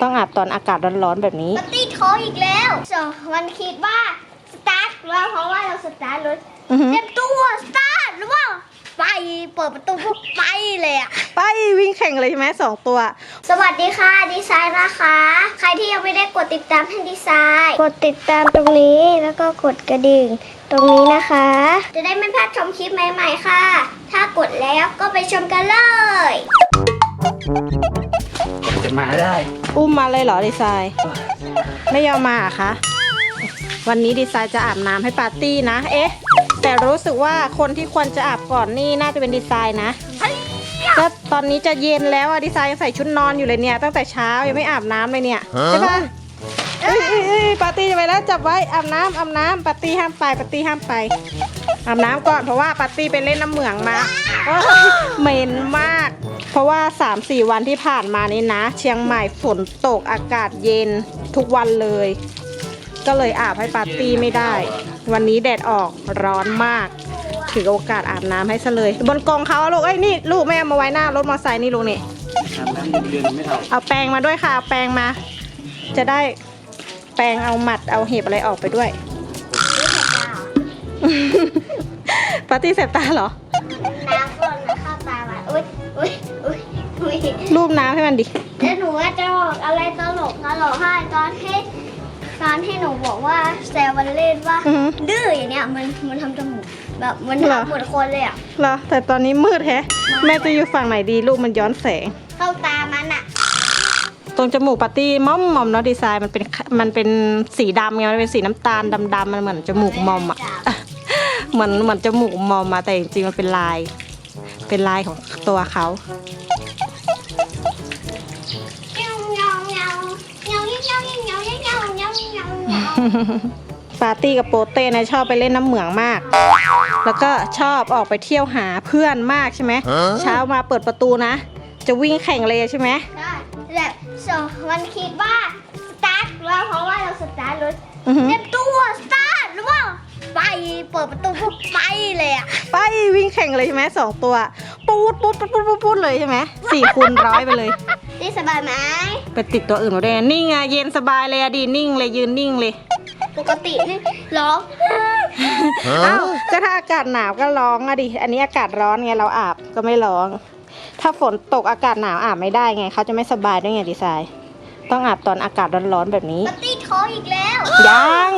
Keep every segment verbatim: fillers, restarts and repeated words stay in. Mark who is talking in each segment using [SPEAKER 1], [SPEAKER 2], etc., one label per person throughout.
[SPEAKER 1] ต้องอาบตอนอากาศร้อนๆแบบนี้
[SPEAKER 2] ปาร์ตี้ท้องอีกแล้วสองวันคิดว่าสตาร์ทแล้วเพราะว่าเราสตาร์ทรถเต็มตัวสตาร์ทหรือว่าไปเปิดประตูปุ๊บไปเลยอะ
[SPEAKER 1] ไปวิ่งแข่งเลยใช่ไหมสองตัว
[SPEAKER 2] สวัสดีค่ะดีไซน์นะคะใครที่ยังไม่ได้กดติดตามให้ดีไซน์กดติดตามตรงนี้แล้วก็กดกระดิ่งตรงนี้นะคะจะได้ไม่พลาดชมคลิปใหม่ๆค่ะถ้ากดแล้วก็ไปชมกันเลย
[SPEAKER 3] จะมาได้
[SPEAKER 1] อุ้มมาเลยเหรอดีไซน์ไม่ยอมมาอะคะวันนี้ดีไซน์จะอาบน้ำให้ปาร์ตี้นะเอ๊ะแต่รู้สึกว่าคนที่ควรจะอาบก่อนนี่น่าจะเป็นดีไซน์นะก็ตอนนี้จะเย็นแล้วอะดีไซน์ยังใส่ชุดนอนอยู่เลยเนี่ยตั้งแต่เช้ายังไม่อาบน้ำเลยเนี่ยใช่ปะเอ้ยเอ้ยปาร์ตี้จะไปแล้วจับไว้อาบน้ำอาบน้ำปาร์ตี้ห้ามไปปาร์ตี้ห้ามไปอาบน้ำก่อนเพราะว่าปาร์ตี้ไปเล่นน้ำเหมืองมาเหม็นมากเพราะว่า สามสี่ วันที่ผ่านมานี้นะเชียงใหม่ฝนตกอากาศเย็นทุกวันเลยก็เลยอาบให้ปาร์ตี้ไม่ได้วันนี้แดดออกร้อนมากถือโอกาสอาบน้ำให้ซะเลยบนกองเขาลูกเอ้ยนี่ลูกแม่เอามาไว้หน้ารถมอเตอร์ไซค์นี่ลูกนี่เอาแปรงมาด้วยค่ะเอาแปรงมาจะได้แปรงเอาหมัดเอาเห็บอะไรออกไปด้วยปาร์ตี้เสพตาเหรอ
[SPEAKER 2] น้ำก่อนนะเข้าตามาอุ้ยอุ้ยอุ้ยอุ้ย
[SPEAKER 1] รูปน้ำให้มันดิ
[SPEAKER 2] แล้วหนูจะบอกอะไรตลกตลกให้ตอนที่ตอนที่หนูบอกว่าแซวมันเล่นว่าดื้ออย่างเนี้ยมันมันทำจมูกแบบมันทำเหมือนคนเลยอ่ะ
[SPEAKER 1] เหรอแต่ตอนนี้มืดแฮะแม่จะอยู่ฝั่งไหนดีลูกมันย้อนแสง
[SPEAKER 2] เข้าตามันอ่ะ
[SPEAKER 1] ตรงจมูกปาร์ตี้ม่อมมอมเนาะดีไซน์มันเป็นมันเป็นสีดำไงมันเป็นสีน้ำตาลดำๆมันเหมือนจมูกมอมอ่ะเหมือนเหมือนจมูกมอมมาแต่จริงๆมันเป็นลายเป็นลายของตัวเขาปาร์ตี้กับโปเต้นะชอบไปเล่นน้ำเหมืองมากแล้วก็ชอบออกไปเที่ยวหาเพื่อนมากใช่ไหมเช้ามาเปิดประตูนะจะวิ่งแข่งเลยใช่ไหม
[SPEAKER 2] ใช่แบบสองวันคิดว่าสตาร์ทแล้วเพราะว่าเราสตาร์ทรถเต็มตัวสตาร์ทหรือว่าไปเปิดประตูปุ๊บไปเลยอะ
[SPEAKER 1] ไปวิ่งแข่งเลยใช่ไหมสองตัวปูดปูดปูดปูดปูดเลยใช่ไหมสี่คูณร้อยไปเลย
[SPEAKER 2] นี่สบายไหม
[SPEAKER 1] ไปติดตัวอื่นมาด้วยนิ่งไงเย็นสบายเลยอะดีนิ่งเลยยืนนิ่งเลย
[SPEAKER 2] ปกตินี่ร้อง
[SPEAKER 1] อ้าวก็ถ้าอากาศหนาวก็ร้องอะดิอันนี้อากาศร้อนไงเราอาบก็ไม่ร้องถ้าฝนตกอากาศหนาวอาบไม่ได้ไงเขาจะไม่สบายด้วยไงดีไซน์ต้องอาบตอนอากาศร้อนๆแบบนี้
[SPEAKER 2] ปาร์ตี้ท้องอีกแล้ว
[SPEAKER 1] ยัง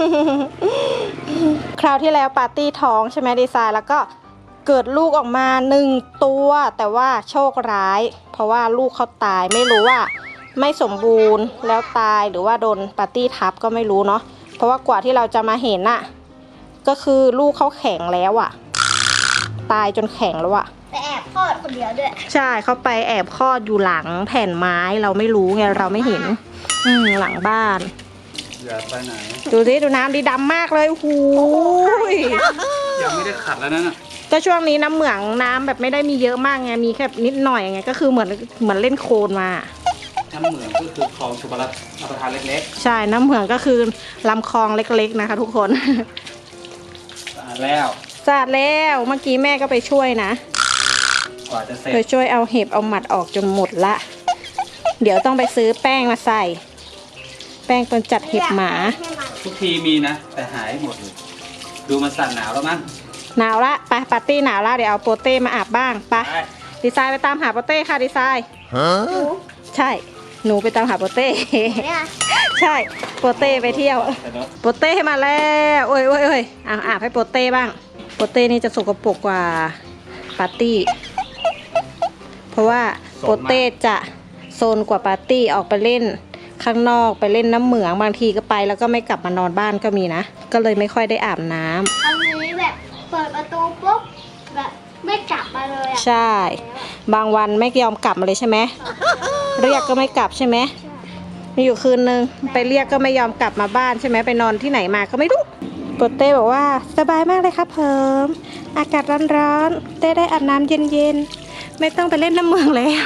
[SPEAKER 1] คราวที่แล้วปาร์ตี้ท้องใช่ไหมดีไซน์แล้วก็เกิดลูกออกมาหนึ่งตัวแต่ว่าโชคร้ายเพราะว่าลูกเขาตายไม่รู้ว่าไม่สมบูรณ์แล้วตายหรือว่าโดนปาร์ตี้ทับก็ไม่รู้เนาะเพราะว่ากว่าที่เราจะมาเห็นน่ะก็คือลูกเขาแข็งแล้วอ่ะตายจนแข็งแล้วอ่ะ
[SPEAKER 2] ไปแอบคลอดคนเดียวด้วย
[SPEAKER 1] ใช่เขาไปแอบคลอดอยู่หลังแผ่นไม้เราไม่รู้ไงเราไม่เห็นอืมหลังบ้าน
[SPEAKER 3] อย่าไปไหน
[SPEAKER 1] ดูสิดูน้ำดีดำมากเลยหูย
[SPEAKER 3] ยังไม่ได้ขัดแล้วนั่นน่ะ
[SPEAKER 1] ก็ช่วงนี้น้ำเหมืองน้ำแบบไม่ได้มีเยอะมากไงมีแค่นิดหน่อยไงก็คือเหมือนเหมือนเล่นโคลนมา
[SPEAKER 3] น้ำเหมืองก็คือคลองชลประทานเล็ก
[SPEAKER 1] ๆใช่น้ำเหมืองก็คือลำคลองเล็กๆนะคะทุกคน
[SPEAKER 3] สะอาดแล้ว
[SPEAKER 1] สะอาดแล้วเมื่อกี้แม่ก็ไปช่วยนะ
[SPEAKER 3] กว่าจะเสร็จ
[SPEAKER 1] ไปช่วยเอาเห็บเอาหมัดออกจนหมดละเดี๋ยวต้องไปซื้อแป้งมาใส่แป้งตัวจัดเห็บหมา
[SPEAKER 3] ทุกทีมีนะแต่หายหมดเลยดูมันสั่นหนาวแล้วมั้ง
[SPEAKER 1] หนาวละไปปาร์ตี้หนาวละเดี๋ยวเอาโปเต้มาอาบบ้างไปดีไซน์ไปตามหาโปเต้ค่ะดีไซน์ใช่หนูไปตามหาโปเต้ใช่โปเต้ไปเที่ยวโปเต้มาแล้วโอ้ยโอ้ยโอ้ยอาอาบให้โปเต้บ้างโปเต้นี่จะสกปรกกว่าปาร์ตี้เพราะว่าโปเต้จะโซนกว่าปาร์ตี้ออกไปเล่นข้างนอกไปเล่นน้ำเหมืองบางทีก็ไปแล้วก็ไม่กลับมานอนบ้านก็มีนะก็เลยไม่ค่อยได้อาบน้ำ
[SPEAKER 2] อันนี้แบบเปิดประตูปุ๊บแบบไม่กลับมาเลยอ่ะ
[SPEAKER 1] ใช่บางวันไม่ยอมกลับมาเลยใช่ไหมเรียกก็ไม่กลับใช่ไหมมีอยู่คืนนึงไปเรียกก็ไม่ยอมกลับมาบ้านใช่ไหมไปนอนที่ไหนมาก็ไม่รู้โปเต้บอกว่าสบายมากเลยครับเพิ่มอากาศร้อนๆเต้ได้อาบน้ำเย็นๆไม่ต้องไปเล่นน้ำเมืองแล้ว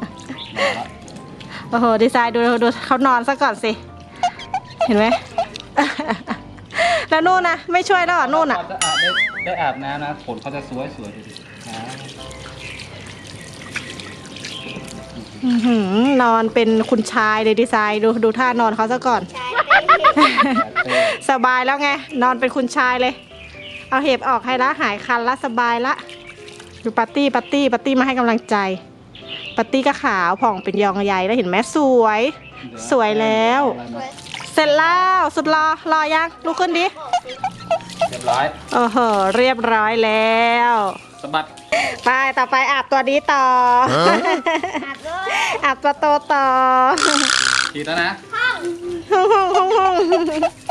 [SPEAKER 1] โอ้โหดีไซน์ดูดูเขานอนซะก่อนสิเห็นไหมแล้วนู่นนะไม่ช่วยแล้วนู่นอ่ะ
[SPEAKER 3] จะอาบได้ได้อาบน้ำนะขนเขาจะสวยสวยดูดิ
[SPEAKER 1] อื้อหือนอนเป็นคุณชายเลยดีไซน์ดูดูท่านอนเขาซะก่อน
[SPEAKER 2] ใช่เป็น
[SPEAKER 1] สบายแล้วไง นอนเป็นคุณชายเลย เอาเห็บออกให้ละหายคันละสบายละดูปาร์ตี้ปาร์ตี้ปาร์ตี้มาให้กำลังใจปาร์ตี้ก็ขาวผ่องเป็นยองใหญ่แล้วเห็นไหมสวย สวยแล้ว เสร็จแล้วสุดรอรอยังลุกขึ้นดิ
[SPEAKER 3] เรียบร้อย
[SPEAKER 1] โอ้โหเรียบร้อยแล้ว
[SPEAKER 3] สะบัด
[SPEAKER 1] ไปต่อไปอาบตัวนี้ต่อ
[SPEAKER 2] อาบเลย
[SPEAKER 1] อาบตัวโตต่อ
[SPEAKER 3] ทีแล้วนะ
[SPEAKER 2] ห้อง
[SPEAKER 1] ห้องห้องห้องห้อง